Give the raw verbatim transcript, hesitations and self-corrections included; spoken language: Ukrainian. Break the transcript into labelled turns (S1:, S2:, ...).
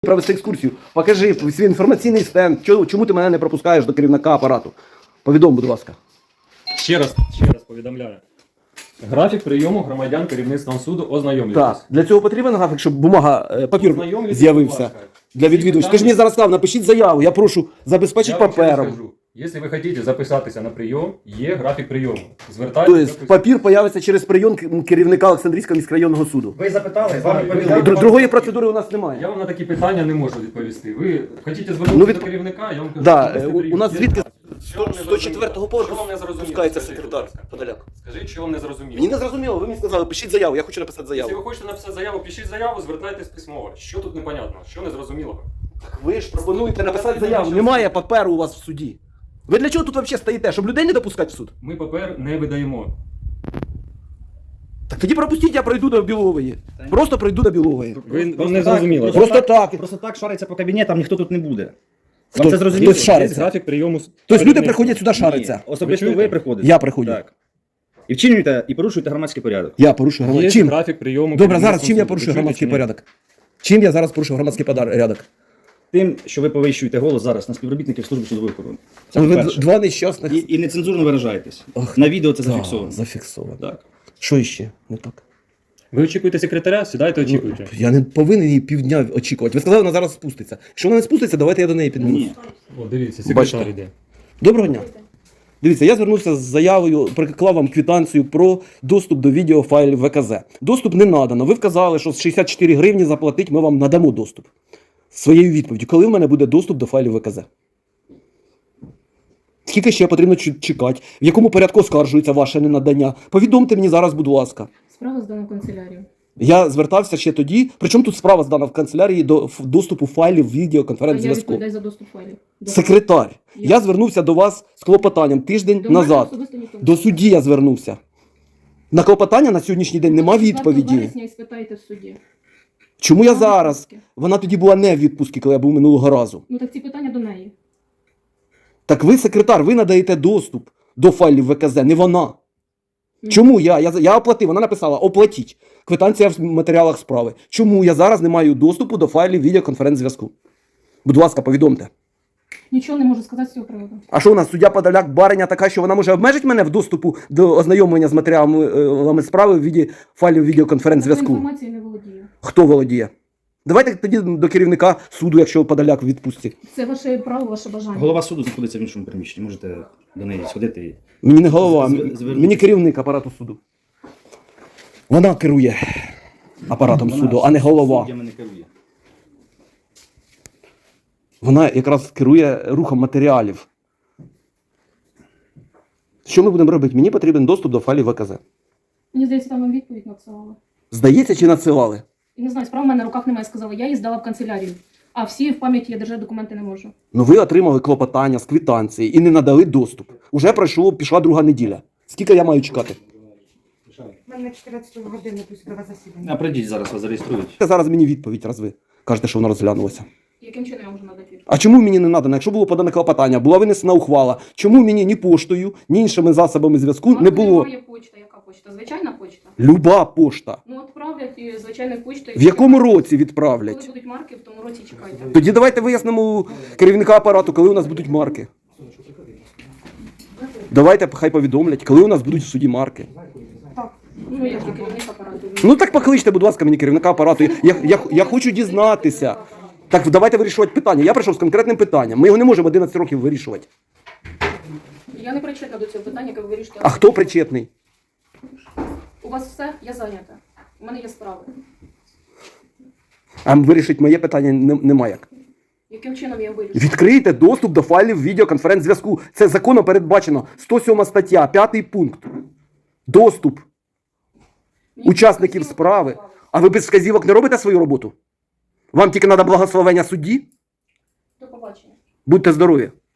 S1: Провести екскурсію. Покажи свій інформаційний стенд. Чому ти мене не пропускаєш до керівника апарату? Повідом, будь ласка.
S2: Ще раз, ще раз повідомляю. Графік прийому громадян керівництвом суду ознайомлюйтесь.
S1: Так, для цього потрібен графік, щоб бумага, е, папір з'явився для відвідувачів. Ти ж мені зараз сказав, напишіть заяву, я прошу забезпечити папером.
S2: Якщо ви хочете записатися на прийом, є графік прийому. Звертайтеся.
S1: Тобто папір появиться через прийом керівника Олександрійського міськрайонного суду.
S3: Ви запитали, вам відповіли.
S1: Дру- Другої процедури у нас немає.
S2: Я вам на такі питання не можу відповісти. Ви хочете звернутися
S1: Ну, від-
S2: до керівника, я вам кажу,
S1: Да,
S2: провести
S1: у-
S2: прийом.
S1: у нас
S2: Є
S1: звідки
S2: графік. Що вам не
S1: сто четвертого
S2: зрозуміло?
S1: поверху
S2: Що вам не зрозуміло?
S1: спускається
S2: Скажіть,
S1: секретар
S2: будь ласка.
S1: Подоляк.
S2: Скажіть, що вам не зрозуміло.
S1: Мені не зрозуміло, ви мені сказали, пишіть заяву, я хочу написати
S2: Якщо
S1: заяву.
S2: ви хочете написати заяву, пишіть заяву, звертайтесь письмово. Що тут непонятно? Що незрозумілого?
S1: Ви ж пропонуєте написати заяву, немає паперу у вас в суді. Ви для чого тут взагалі стоїте? Щоб людей не допускати в суд?
S2: Ми папер не видаємо.
S1: Так тоді пропустіть, я пройду до Білової. Просто пройду до Білової.
S2: Ви, вам не зрозуміло.
S1: Просто так.
S3: Просто так шариться по кабінетам, ніхто тут не буде.
S1: Хто-
S3: Вам це зрозуміло?
S1: хтось шариться?
S2: Графік прийому.
S1: Тобто люди приходять сюди шариться.
S3: Ні, особисто
S2: Ви
S3: ви,
S2: чуєте?
S3: приходите.
S1: Я приходжу.
S3: Так. І вчинюєте, і порушуєте громадський порядок.
S1: Я порушую
S2: Є
S1: громадський. Чим?
S2: графік прийому.
S1: Добре, зараз
S2: керівництвом
S1: чим я
S2: суду.
S1: порушую
S2: Ви чуєте
S1: громадський
S2: чи ні?
S1: порядок? Чим я зараз порушую громадський порядок?
S3: Тим, що ви повищуєте голос зараз на співробітників служби судової охорони. Це
S1: Ви
S3: по-перше.
S1: два нещасних.
S3: І, і нецензурно виражаєтесь.
S1: Ох,
S3: На відео це
S1: Да,
S3: зафіксовано.
S1: зафіксовано.
S3: Так.
S1: Що ще не так?
S2: Ви очікуєте секретаря? Сідайте, очікуйте.
S1: Я не повинен її півдня очікувати. Ви сказали, вона зараз спуститься. Якщо вона не спуститься, давайте я до неї піднімусь.
S3: Ні.
S2: О, дивіться, секретар
S1: Бачите.
S2: йде.
S1: Доброго дня. Дивіться, я звернувся з заявою, приклав вам квитанцію про доступ до відеофайлів В К З. Доступ не надано. Ви вказали, що з шістдесят чотири гривні заплатить, ми вам надамо доступ. Своєю відповіддю, коли в мене буде доступ до файлів В К З? Скільки ще потрібно чу- чекати? В якому порядку оскаржується ваше ненадання? Повідомте мені зараз, будь ласка.
S4: Справа здана в канцелярію.
S1: Я звертався ще тоді. Причому тут справа здана в канцелярії до ф- доступу файлів
S4: А я
S1: відеоконференц-зв'язку.
S4: відповідаю за доступ файлів. До-
S1: Секретар.
S4: Я-
S1: Я звернувся до вас з клопотанням тиждень
S4: До мене
S1: назад.
S4: особисто ніхто не
S1: До судді я звернувся. На клопотання на сьогоднішній день нема
S4: четвертого
S1: відповіді.
S4: вересня і спитайте в суді.
S1: Чому я
S4: Вона в
S1: зараз?
S4: відпустці.
S1: Вона тоді була не в відпустці, коли я був минулого разу.
S4: Ну так ці питання до неї.
S1: Так ви, секретар, ви надаєте доступ до файлів В К З, не вона.
S4: Ну,
S1: Чому я? Я, я оплатив, вона написала оплатіть. Квитанція в матеріалах справи. Чому я зараз не маю доступу до файлів відеоконференц-зв'язку? Будь ласка, повідомте.
S4: Нічого не можу сказати з цього приводу.
S1: А що у нас суддя Подоляк бариня така, що вона може обмежити мене в доступу до ознайомлення з матеріалами справи в віді файлів
S4: Такою
S1: відеоконференц-зв'язку?
S4: інформацією не володію.
S1: Хто володіє? Давайте тоді до керівника суду, якщо Подоляк в відпустці.
S4: Це ваше право, ваше бажання.
S3: Голова суду знаходиться в іншому приміщенні. Можете до неї сходити. і-
S1: Мені не голова,
S3: З-
S1: м-
S3: звернутися.
S1: мені керівник апарату суду. Вона керує апаратом
S3: Вона
S1: суду, а не голова.
S3: суддями не керує.
S1: Вона якраз керує рухом матеріалів. Що ми будемо робити? Мені потрібен доступ до файлів В К З.
S4: Мені здається, там вам відповідь надсилала.
S1: Здається, чи надсилали?
S4: І не знаю, справа в мене на руках немає, сказала. Я її здала в канцелярію. А всі в пам'яті я держати документи не можу.
S1: Ну ви отримали клопотання з квитанції і не надали доступ. Уже пройшло, пішла друга неділя. Скільки я маю чекати?
S5: У мене чотирнадцятої години до судове засідання.
S3: А прийдіть зараз, вас зареєструють.
S1: Зараз мені відповідь, раз ви кажете, що вона розглянулася.
S4: Яким чином я можу надати відповідь?
S1: А чому мені не надано? Якщо було подане клопотання, була винесена ухвала, чому мені ні поштою, ні іншими засобами зв'язку
S4: У вас
S1: не було?
S4: немає почта. Яка почта? Звичайна почта?
S1: Люба пошта.
S4: Ну, відправлять і звичайною почтою.
S1: В якому році
S4: Коли
S1: відправлять?
S4: будуть марки, в тому році чекайте.
S1: Тоді давайте вияснимо у керівника апарату, коли у нас будуть марки. Давайте хай повідомлять, коли у нас будуть в суді марки.
S4: Ну, я ж керівник апарату.
S1: Ну так покличте, будь ласка, мені керівника апарату. Я, я, я хочу дізнатися. Так давайте вирішувати питання. Я прийшов з конкретним питанням. Ми його не можемо одинадцять років вирішувати.
S4: Я не причетна до цього питання, яке ви вирішите.
S1: А хто причетний?
S4: У вас все? Я зайнята. У мене є справи.
S1: А вирішити моє питання не- немає як.
S4: Яким чином я вирішу?
S1: Відкрийте доступ до файлів відеоконференц-зв'язку. Це законом передбачено. сто сьома стаття, п'ятий пункт. Доступ
S4: Мені
S1: учасників
S4: вказівок
S1: справи.
S4: не давали.
S1: А ви без вказівок не робите свою роботу? Вам тільки треба благословення судді?
S4: До побачення.
S1: Будьте здорові.